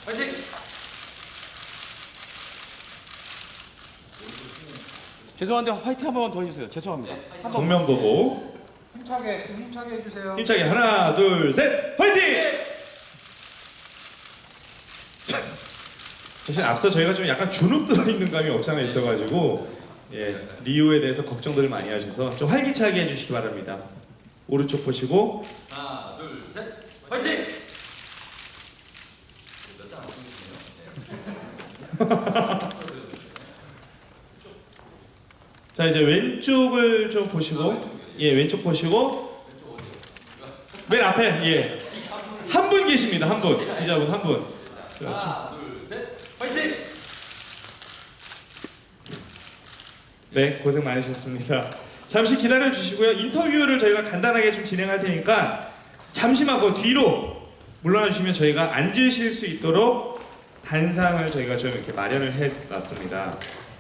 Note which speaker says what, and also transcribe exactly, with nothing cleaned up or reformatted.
Speaker 1: 화이팅!
Speaker 2: 죄송한데 화이팅 한 번만 더 해주세요. 죄송합니다. 한 번.
Speaker 3: 정면 보고
Speaker 1: 힘차게, 좀 힘차게 해주세요.
Speaker 3: 힘차게 하나 둘 셋 화이팅! 사실 앞서 저희가 좀 약간 주눅 들어있는 감이 없지 않아 있어가지고 예, 리우에 대해서 걱정들을 많이 하셔서 좀 활기차게 해주시기 바랍니다. 오른쪽 보시고
Speaker 1: 하나, 둘, 셋, 화이팅! 몇장 안 보이시네요.
Speaker 3: 자 이제 왼쪽을 좀 보시고 예 왼쪽 보시고 맨 앞에 예 한 분 계십니다. 한 분 기자분 한 분. 그렇죠.
Speaker 1: 하나, 둘, 셋, 화이팅!
Speaker 3: 네, 고생 많으셨습니다. 잠시 기다려 주시고요. 인터뷰를 저희가 간단하게 좀 진행할 테니까 잠시만 그 뒤로 물러나 주시면 저희가 앉으실 수 있도록 단상을 저희가 좀 이렇게 마련을 해 놨습니다.